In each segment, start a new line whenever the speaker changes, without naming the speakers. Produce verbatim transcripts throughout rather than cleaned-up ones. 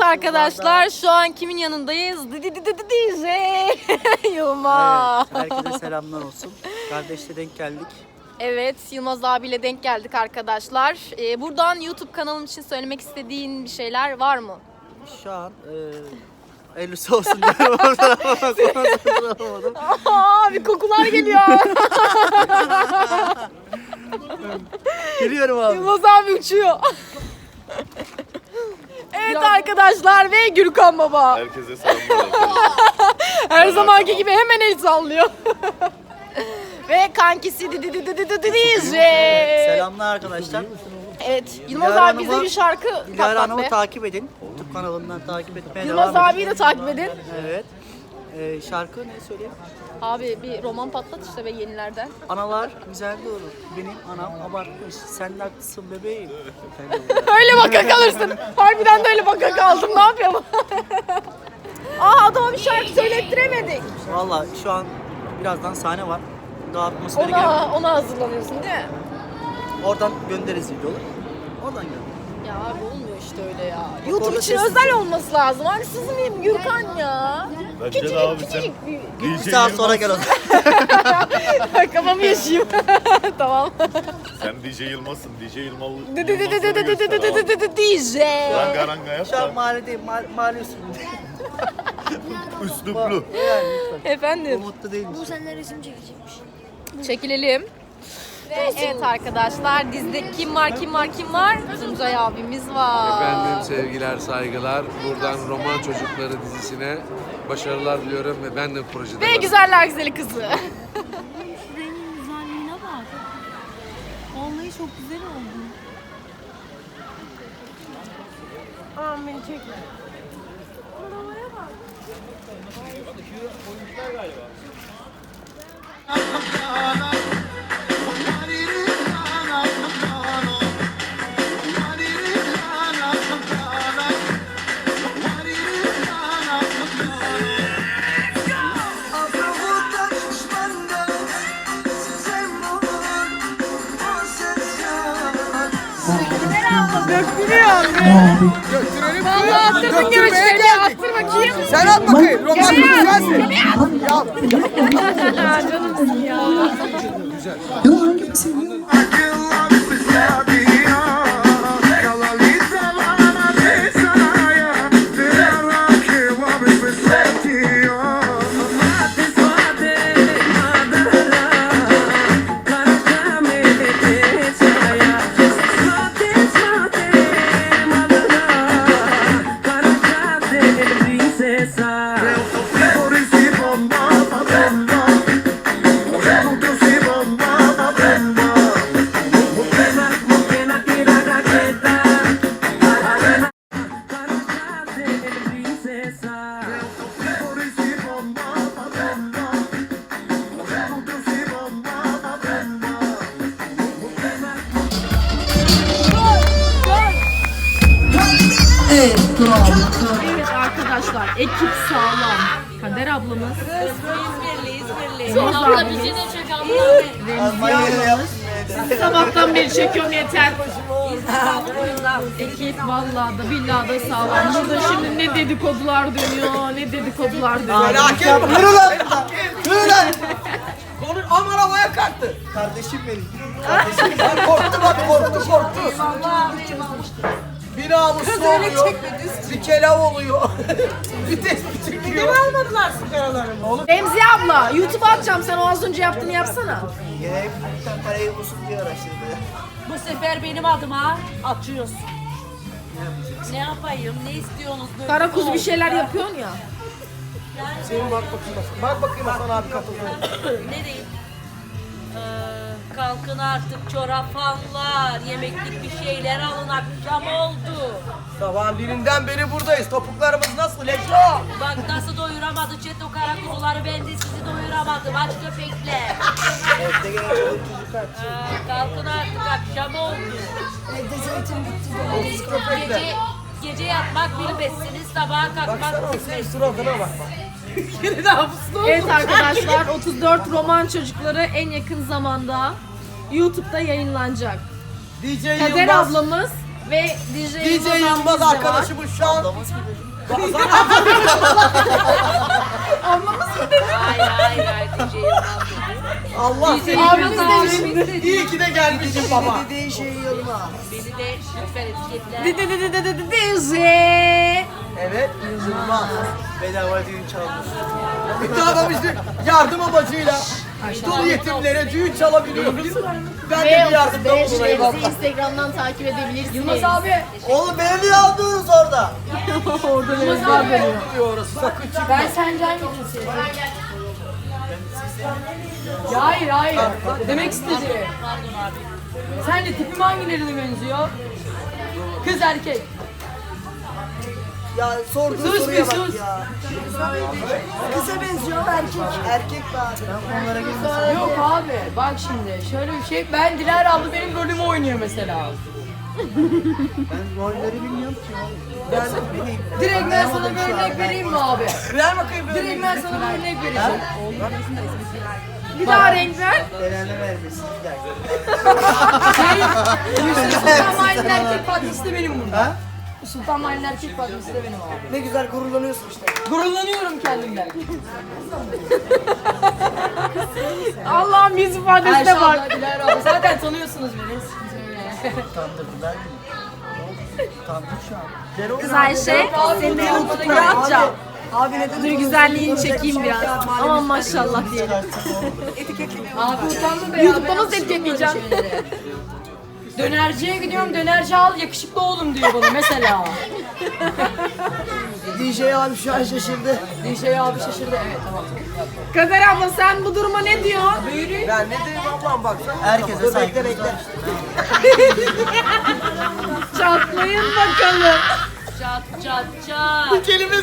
arkadaşlar, şu an kimin yanındayız? D J Yılmaz.
Evet, herkese selamlar olsun. Kardeşle denk geldik.
Evet, Yılmaz abiyle denk geldik arkadaşlar. Ee, buradan YouTube kanalım için söylemek istediğin bir şeyler var mı?
Şu an e, hayırlısı olsun diyorum. Oradan ama konuşamadım.
Aa, bir kokular geliyor.
Geliyorum abi.
Yılmaz abi uçuyor. Evet arkadaşlar ve Gürkan Baba.
Herkese selamlar.
Her zamanki gibi hemen el sallıyor. Ve kankisi D J.
Selamlar arkadaşlar.
Evet, Yılmaz
Dilara
abi bize
Hanım'ı-
bir şarkı
Dilara
patlat
Hanım'ı
be.
takip edin. YouTube kanalından takip etmeye
Yılmaz
devam
abiyi de takip edin.
Evet. E, şarkı ne söyleyeyim?
Abi bir roman patlat işte ve yenilerden.
Analar güzel doğru. Benim anam abartmış. Sen de haklısın bebeğim.
Öyle baka kalırsın. Harbiden de öyle baka kaldım. Ne yapayım? Aa, adama bir şarkı söylettiremedik.
Valla şu an birazdan sahne var. Daha atmosferi gel.
Ona, ona hazırlanıyorsun değil mi?
Oradan göndeririz videoları. Oradan gönder.
Ya abi olmuyor işte öyle ya.
Bak
YouTube
orada
için
ses-
özel olması lazım. Haksız mıyım Gürkan ya?
Bence
Küçücük
de abi sen
küçücük bir...
Bir saat sonra gel o zaman.
Kafamı yaşayayım. Tamam.
sen D J Yılmaz'sın. D J Yılmaz.
D J.
Ranga ranga yap
Şu an
da.
mahalledeyim, mahalle, mahalle üstünde.
Üsluplu.
Yani lütfen.
Efendim.
Umutlu değilmiş.
Bu seninle resim çekecekmiş.
Çekilelim. Ve evet arkadaşlar, dizide kim var kim var kim var? Tuncay abimiz var.
Efendim sevgiler, saygılar. Buradan Roman Çocukları dizisine başarılar diliyorum ve ben de projede
Ve
varım.
güzeller güzeli kızı.
Şu rengin güzelliğine bak. Vallahi çok güzel oldu.
Aman beni çekme. Valla attırdın görüşleri, attır bakayım.
Sen at bakayım. Romantik güzelsin.
Canımsın ya. Evet arkadaşlar, ekip sağlam. Kader ablamız. İzmirli, İzmirli. Yılmaz abimiz. Remziye ablamız. Sabahtan beri çekiyorum yeter. Ekip vallahi da billahi da sağlam. Burada şimdi ne dedikodular dönüyor, ne dedikodular dönüyor.
Felaket. Yürü lan. Yürü lan. Konu aman havaya kalktı.
Kardeşim benim.
Bak korktu bak korktu korktu. Bir namuslu oluyor. Bir kelav oluyor. Bir tespih çekiyor. almadılar sigaralarını? Oğlum.
Remziye abla, YouTube'a atacağım, sen o az önce yaptığını yapsana.
Gerek parayı bulsun diye araştırdı.
Bu sefer benim adıma atıyorsun. Ne yapayım? Ne istiyorsunuz? Böyle
Kara kuzu bir
oldu.
şeyler yapıyorsun ya.
Senin bak bakayım Hasan. Bak bakayım Hasan abi katıldı.
Ne diyeyim? Ee, kalkın artık çorafanlar, yemeklik bir şeyler alın, akşam oldu.
Sabahın birinden beri buradayız. Topuklarımız nasıl Leşo?
Bak nasıl doyuramadı çet o kara kuzuları, ben de sizi doyuramadım aç köpekler.
Evde gelen çoluk çocuk aç.
Ee, kalkın artık akşam oldu. Gece, gece yatmak bilmezsiniz, sabaha kalkmak
Baksana o senin
bilmezsiniz.
suratına bak bak.
Evet arkadaşlar, otuz dört Roman Çocukları en yakın zamanda YouTube'da yayınlanacak.
D J
Kader
Yılmaz.
ablamız Ve D J,
D J Yılmaz arkadaşımız şu an.
Hayır hayır hayır D J Yılmaz dedi.
Allah seni
Abimiz demiş.
iyi ki de gelmişsin baba.
Dediğin şey Yılmaz.
Beni de lütfen etiketle.
D J.
Evet Yılmaz.
Bedava düğün çalmış.
Bir daha da işte yardım amacıyla dul yetimlere düğün çalabiliyoruz. Ben de bir yardımda bulunayım
Bizi
abla.
Instagram'dan takip edebilirsiniz.
Yılmaz abi.
Oğlum beni niye aldınız orada?
Orada Yılmaz abi.
Orası sakın çıkma.
Ben sence hangi cinsiyim? Ya hayır hayır. Demek istedi.
Pardon abi.
Sen de tipim hangilerine benziyor? Kız erkek.
Ya sorduğun
Sus
soruya
bir
bak
sus.
ya. Kısa benziyor erkek. Erkek be abi. Onlara girmesin.
Yok abi bak şimdi şöyle bir şey. Ben Dilara abla benim rolümü oynuyor mesela.
Ben rolleri bilmiyorum ki. Ben
Direkt ben sana bir örnek vereyim mi abi?
Ver bakayım böyle.
Direkt ben sana bir örnek vereceğim.
Bir daha renk ver.
belanı vermesin. Bir dakika.
Sultan Mahalle'nin erkek patrisi de benim burada.
Ha?
Sultan Mahalle'nin erkek patrisi de benim abi.
Ne güzel gururlanıyorsun işte.
Gururlanıyorum kendimden.
Allah'ım yüz ifadesine
Ayşe
bak.
abla, Dilara abla zaten tanıyorsunuz beni.
Utandırdılar mı? Utandım şu an.
Kız Ayşe, seni de YouTube'a atacağım.
Abi neden
Dur güzelliğini çekeyim biraz. Aman maşallah diyelim.
Abi utandım be ya.
YouTube'da
ben
nasıl
alışıyorum
etiketleyeceğim?
böyle şeylere. Dönerciye gidiyorum, dönerci al yakışıklı oğlum diyor bana mesela.
D J abi şu an şaşırdı.
Dişe abi şaşırdı, evet tamam.
Kader abla sen bu duruma ne diyorsun?
Ben ne diyeyim ablam baksana.
Herkese saygı. Bekle bekle.
Çatlayın bakalım.
Çat çat çat.
Kelimiz.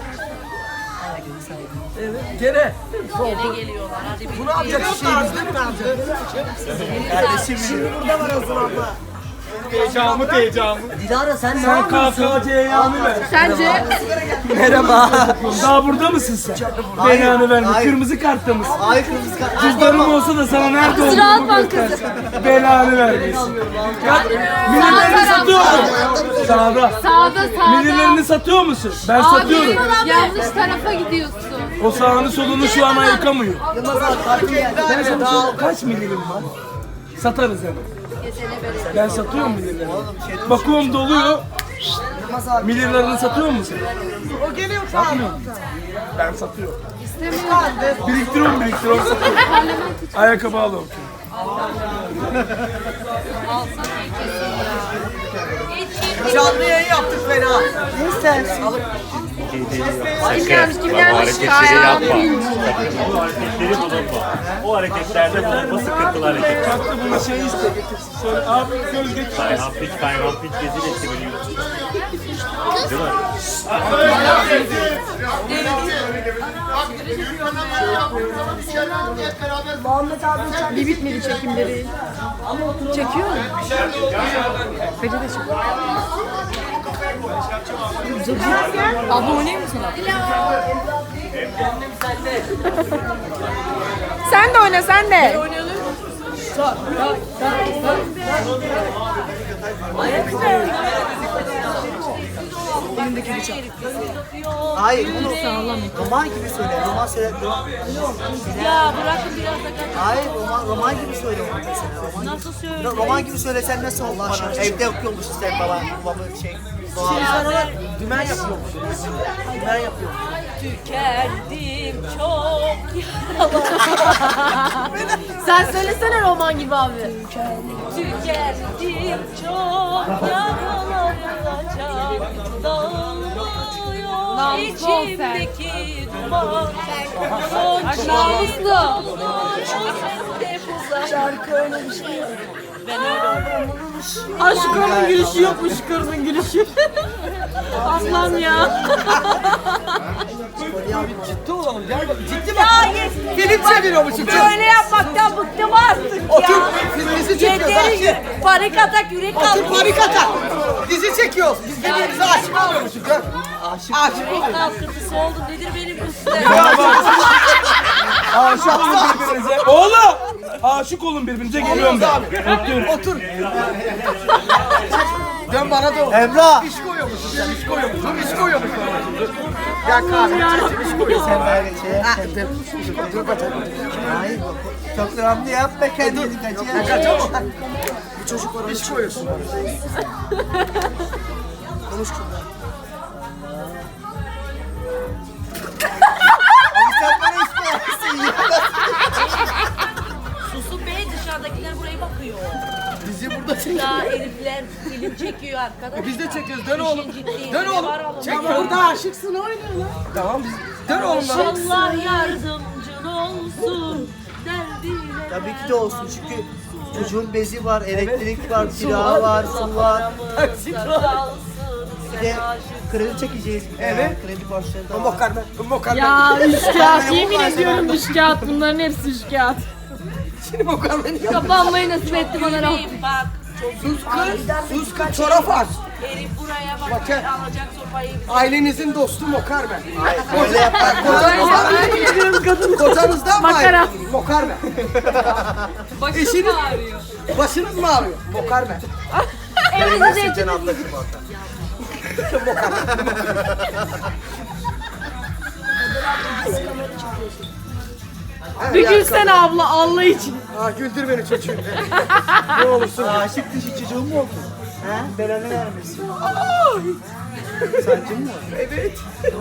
Evet gene.
Gene geliyorlar. Hadi bir
Bu ne yapacak şeyimizde mi kalacak?
Kardeşim şimdi burada var Azur abla.
Heyecanımı heyecanımı.
Dilara sen ne
Sen
yapıyorsun?
K K C'yi ver.
Sence?
Merhaba.
Daha burada mısın sen? Belanı verme.
hayır.
Kırmızı kartta mısın?
Ay kırmızı kart.
Cüzdanım olsa da sana nerede olduğumu göstersin. Belanı vermesin. Ya, Millilerini satıyor musun? Sağda.
Sağda sağda.
Millilerini satıyor musun? Ben satıyorum.
Yanlış tarafa gidiyorsun.
O sağını solunu şu an ayıkamıyor.
Yılmaz abi kartı geldi.
Ben sana söyleyeyim, kaç mililim var? Satarız hemen. Ben satıyorum millilerini. Bakıyorum doluyor.
Yılmaz abi.
Millilerini satıyor musun?
O geliyor
Satmıyor. Ben satıyorum. Biriktiriyorum biriktiriyorum satıyorum. Ayakkabı alıyorum.
Canlı yayın yaptık fena.
Ne istersin?
Kim gelmiş kim gelmiş?
Hareketleri
Kayağım.
yapma. O hareketleri bulunma. O hareketlerde bulunma sıkıntılı hareket.
Kalktı buna şey iste getirsin. Söyle abi göz getir.
Kayhan piç, kayhan piç rezil etti beni. Değil mi?
Bir bitmedi çekimleri. Çekiyor mu? Bence de çekiyor.
Abla oynayayım mı sana?
Sen de oyna sen de.
Hayır bunu roman gibi söyle. Roman söyle. Roman.
Ya bırakın biraz da kaç.
Hayır roman, roman gibi söyle onu mesela. Roman gibi.
Nasıl söyleyeyim?
Roman gibi söylesen nasıl olur bana? Evde okuyormuşsun sen baba. Babamın şey. Doğal.
Dümen yapıyormuş. Dümen yapıyor.
Tükendim çok yaralı.
Sen söylesene roman gibi abi.
Tükendim çok yaralaracağım. Dağılmıyor
Namuslu ol sen.
içimdeki duman. Son namuslu. Şarkı öyle bir şey yok. Ben öyle
Aşkımın gülüşü yokmuş kızın gülüşü. Aslan ya.
Ciddi olalım. Gel bak. Ciddi bak. Film çeviriyormuşum.
böyle yapmaktan bıktım artık
Otur.
ya.
Filmimizi çekiyoruz.
Yeteri
Ayşe.
panik atak yürek
Otur
kalktı.
panik atak. Dizi çekiyoruz. Biz birbirimize aşık oluyormuşuz. Gör. Aşık. Aşık
Yürek
oluyoruz.
kalkıntısı oldu. Nedir benim bu size?
Aşık olun birbirinize. Oğlum! Aşık olun birbirinize geliyorum ben. Öpüyorum.
Otur. Dön bana doğru.
Emrah.
İş koyuyormuşsun sen, iş koyuyormuşsun, iş koyuyormuşsun. Ya kahve, iş koyuyorsun.
Sen böyle şey
Ha,
yap.
dur, dur bakalım.
Hayır. Çok dramlı yapma kendini kaçıyor.
Kaçamam. Bu çocuk var, iş koyuyorsun. Konuş şurada.
Sen bana iş koyarsın ya.
Susun be, dışarıdakiler buraya bakıyor.
Bizi burada çek.
Ya herifler film çekiyor arkadaşlar.
Biz de çekiyoruz, dön oğlum.
İşin ciddiyeti
Dön oğlum.
var oğlum.
Çek.
Orada aşıksın oynuyorlar.
Tamam biz. Dön oğlum lan.
Allah yardımcın olsun. Derdine
Tabii ki de olsun çünkü çocuğun bezi var, elektrik var, kira var, su var.
Taksit var.
Bir de kredi çekeceğiz.
Evet.
Kredi borçları da var.
Mokarme, mokarme.
Ya üç kağıt. Yemin ediyorum üç kağıt. Bunların hepsi üç kağıt.
Şimdi mokarme ne yapıyor?
Kapanmayı nasip etti bana Rabbim.
Gülmeyin bak.
Sus kız, sus kız, çorap aç.
Herif buraya bak.
Bakın.
Alacak sopayı bize.
Ailenizin dostu mokarme.
Öyle yapar.
Kocanızdan mı? Kocanızdan mı?
Makara.
ayrı? Mokarme. Başınız mı ağrıyor? Başınız mı ağrıyor? Mokarme.
Evinize
Sen ablacığım orada.
bir gülsene abla Allah için.
Aa güldür beni çocuğum. Ne olursun.
Aşık dışı çocuğun mu oldu? He? Belanı vermesin. Sancın mı?
Evet.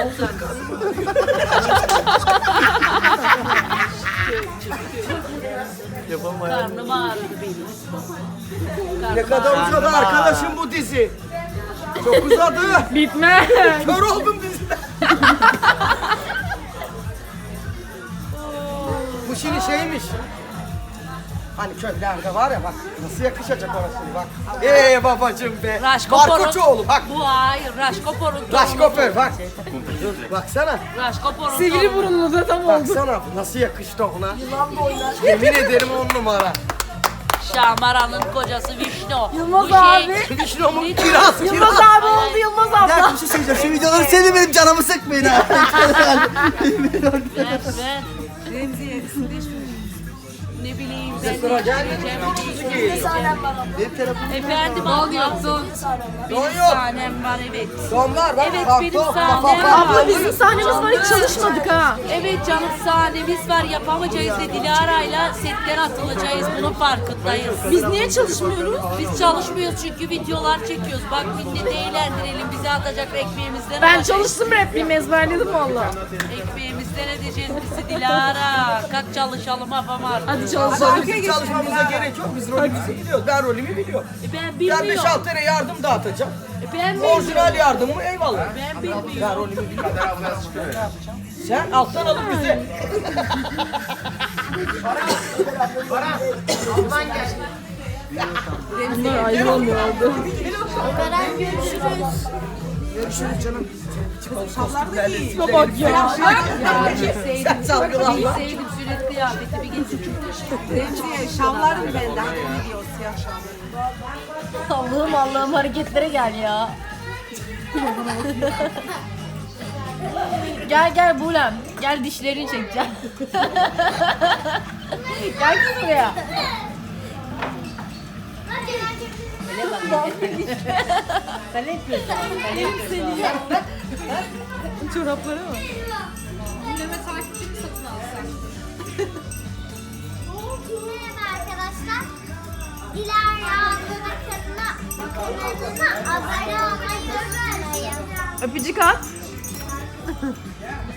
Yapamayan.
Karnım ağrıdı benim.
Ne kadar uzadı arkadaşım bu dizi. Çok uzadı.
Bitmez.
Kör oldum diziden. Bu şimdi şeymiş. Hani köylerde var ya bak nasıl yakışacak orası bak. Eee babacım be.
Raşkopor'un.
Barkoçoğlu bak.
Bu hayır. Raşkopor'un.
Raşkoper bak. Baksana.
Raşkopor'un.
Sivri burunlu da tam oldu.
Baksana nasıl yakıştı ona. Yılan boylar. Yemin ederim on numara.
Şahmaran'ın kocası Vişnu.
Yılmaz
Bu
abi.
Vişnu'mun kiraz
Yılmaz
kiraz.
abi oldu Yılmaz abla.
Ya bir şey söyleyeceğim. Şu videoları seni benim canımı sıkmayın ha.
Ben, ben. Remziye, ne bileyim ben
Sıra
ne
gelmedi.
diyeceğim.
Benim telefonum.
Efendim don yok don.
Don
Benim
yok.
sahnem var evet.
Don var bak.
Evet,
bak,
benim
don, bak,
sahnem
bak,
var.
bak.
Abla bizim sahnemiz var hiç çalışmadık ha.
Evet canım sahnemiz var yapamayacağız ve Dilara'yla setten atılacağız bunun farkındayız.
Biz niye çalışmıyoruz?
Biz çalışmıyoruz çünkü videolar çekiyoruz. Bak milleti eğlendirelim bize atacak ekmeğimizden
Ben
alacak.
çalıştım repliğimi ezberledim valla.
Ekmeğimizden edeceğiz bizi Dilara. Kalk çalışalım yapamar.
Hadi çalışalım.
Bizim çalışmamıza gerek yok. Biz rolümüzü biliyoruz. Ben rolümü biliyorum.
E ben
Ben
bilmiyorum.
beş altı tane yardım dağıtacağım.
E ben bilmiyorum.
Orijinal yardım mı? Eyvallah.
Ben bilmiyorum.
Ben rolümü biliyorum. Sen alttan alıp bize.
Bunlar ayrı olmuyor oldu.
Görüşürüz canım.
Bak ya.
Ya sevdim.
Sen salgılan
İyi
lan.
sevdim sürekli kıyafeti bir geçin.
Allah'ım Allah'ım hareketlere gel ya. Gel gel Bulem. Gel dişlerini çekeceğim. Gel kız buraya. Sen ne yapıyorsun? Sen ne yapıyorsun?
Çorapları mı?
Merhaba arkadaşlar. Dilara ablanın kanalına, kanalına abone olmayı unutmayın.
Öpücük at.